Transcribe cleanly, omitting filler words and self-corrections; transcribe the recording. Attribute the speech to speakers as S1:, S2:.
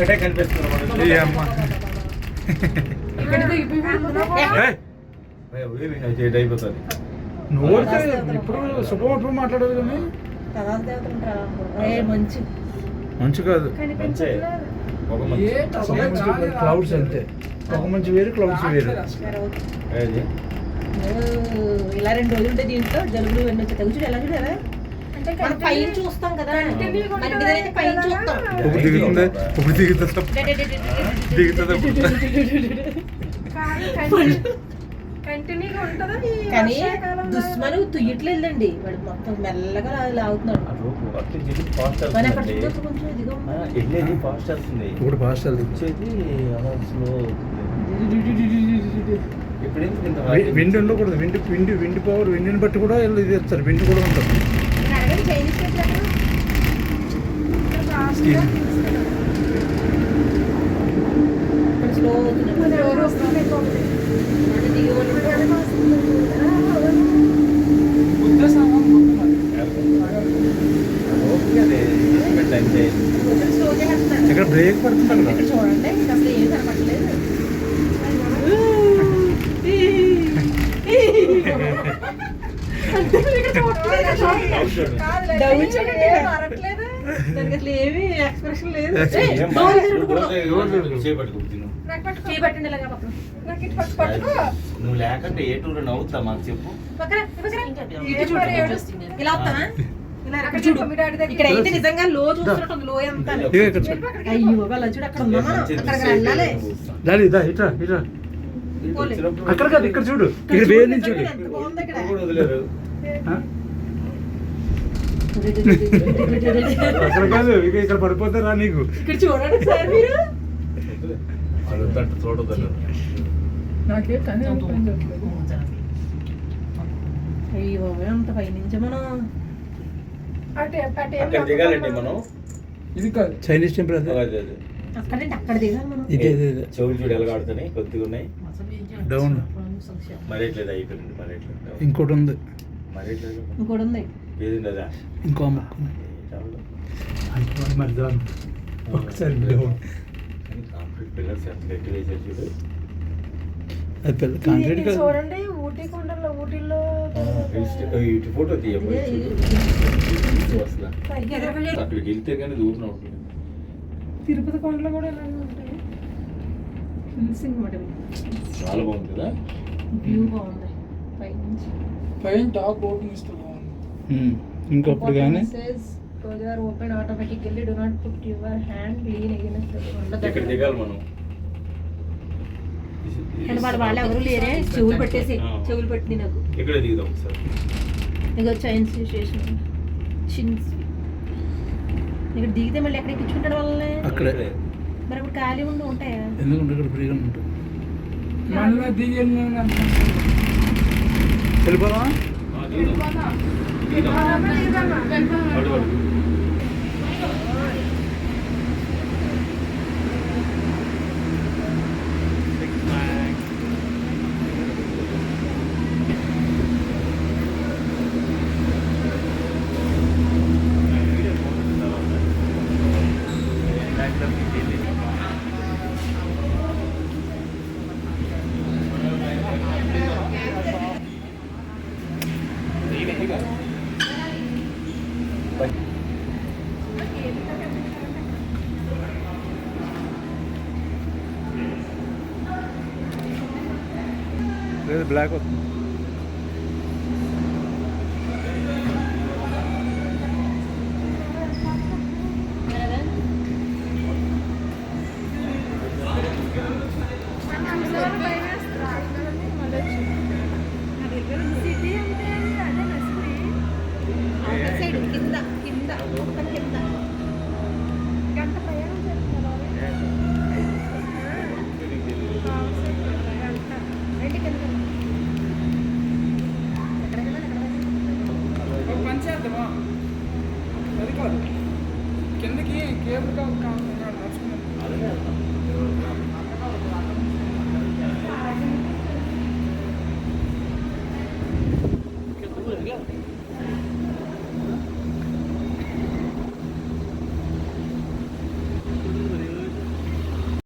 S1: ఒక్కటే కనిపిస్తుంది
S2: ఏ అమ్మ
S1: అయిపోతుంది
S2: నోడితే ఇప్పుడు శుభం ఎప్పుడు మాట్లాడదు కానీ మంచి కాదు క్లౌడ్స్ అంతే ఒక మంచి వేరు క్లౌడ్స్ వేరు
S3: ఇలా 2 రోజులు ఉంటే దీంట్లో జలుబులు ఇవన్నీ వచ్చి తెగుచుడు ఎలా చూడారా మనం పైన చూస్తాం కదా మన మీద అయితే పైన చూస్తాం
S2: ఇప్పుడు దిగుతుంది ఇప్పుడు దిగుతుంది
S3: కానీ దుష్మను తుయ్యట్లేదండి వాడు మొత్తం మెల్లగా లాగుతున్నాడు
S2: ఇప్పుడు ఫాస్ట్ విండ్ ఉండకూడదు విండ్ పవర్ విండ్ని బట్టి కూడా ఇది ఇస్తారు విండ్ కూడా ఉంటుంది
S3: స్లో
S2: ఇక్కడ బ్రేక్ పడుతుంది
S3: ఇక్కడ చూడండి అసలు ఏం కనపడలేదు దానికి అసలు ఏమి ఎక్స్ప్రెషన్ లేదు చేయబట్టండి ఇలాగా
S1: నువ్వు లేకంటే ఏ టూర్ నవ్వుతా మాకు చెప్పు
S3: ఇలా వస్తానా ఇక్కడ అయితే నిజంగా లో చూస్తున్నట్టు లో ఎంత అయ్యో వాళ్ళ చూడు అక్కడ ఉందా అక్కడికి వెళ్ళాలి
S2: అక్కడ కాదు ఇక్కడ చూడు ఇక్కడ వేరు నుంచి చూడు అక్కడ కాదు ఇక్కడ పడిపోతారా నీకు
S3: ఇక్కడ చూడండి సార్ మీరు అయ్యో అంత పైనుంచి మనం
S1: దిగాలండి మనం
S2: ఇది కాదు చైనీస్ టెంపుల్
S3: అక్కడంటే అక్కడ దిగాలి మనం
S2: ఇదే
S1: చెవులు చూడు ఎలా ఆడుతున్నాయి కొద్దిగా ఉన్నాయి
S2: డౌన్
S1: మరేట్లేదు అయిపోయింది మరేట్లేదు
S2: ఇంకోటి ఉంది
S3: ఇంకోటి ఉంది
S1: ఏది అదా
S2: ఇంకో మరి డౌన్ ఒకసారి డౌన్
S1: కాంక్రీట్ పిల్లర్స్ ఎంత గట్టి వేసారు చూడు
S2: అది పెద్ద కాంక్రీట్ కాదు
S3: చూడండి ఊటీ కొండల్లో ఊటీలో
S1: ఇటు ఫోటో తీయబోయి అసలు అక్కడికి వెళ్తే కానీ దూరం అవుతుంది
S3: తిరుపతి కొండలో కూడా ఇలాగే ఉంటాయి
S1: చాలా బాగుంది కదా
S3: వ్యూ బాగుంది పైనుంచి
S4: పైన టాప్ ఓపెన్ ఇస్తే బాగుంది
S2: ఇంకొకటి కానీ
S3: open automatically do not put your hand lean against
S1: ఇక్కడ దిగాలి మనం
S3: వాళ్ళు ఎవరు లేరే చెవులు పెట్టేసి చెవులు పెట్టింది నాకు
S1: ఇక్కడ దిగుదాం ఒకసారి
S3: ఇక చైన్స్ స్టేషన్ చిన్స్ ఇక్కడ దిగితే మళ్ళీ ఎక్కడ ఎక్కించుకుంటాడు వాళ్ళని
S2: అక్కడే
S3: మరి ఇప్పుడు ఖాళీ ఉండి ఉంటాయా
S2: ఎందుకంటే ఇక్కడ ఫ్రీగా ఉంటుంది
S4: మళ్ళీ దిగి
S2: వెళ్ళిపోదామా లేదు బ్లాక్ వస్తుంది